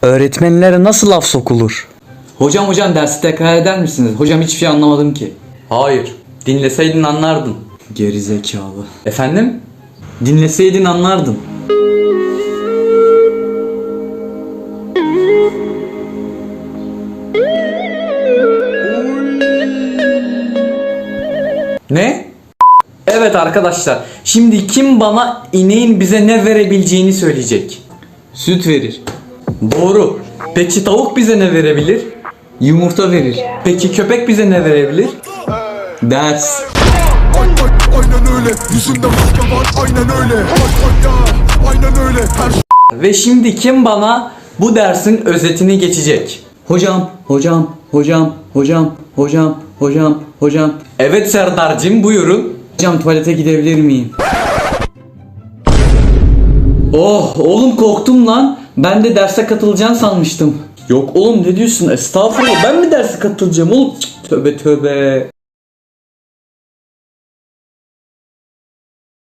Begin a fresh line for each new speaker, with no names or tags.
Öğretmenlere nasıl laf sokulur?
Hocam dersi tekrar eder misiniz? Hocam hiçbir şey anlamadım ki. Hayır. Dinleseydin anlardın. Geri zekalı. Efendim? Dinleseydin anlardın. Ne? Evet arkadaşlar. Şimdi kim bana ineğin bize ne verebileceğini söyleyecek? Süt verir. Doğru. Peki tavuk bize ne verebilir? Yumurta verir. Peki köpek bize ne verebilir? Ders.
Aynen öyle. Yüzünde maske var. Aynen öyle. Aynen öyle. Her şey.
Ve şimdi kim bana bu dersin özetini geçecek? Hocam. Evet Serdar'cığım buyurun. Hocam tuvalete gidebilir miyim? Oh oğlum korktum lan. Ben de derse katılacağını sanmıştım. Yok oğlum ne diyorsun? Estağfurullah. Ben mi derse katılacağım oğlum? Cık, tövbe.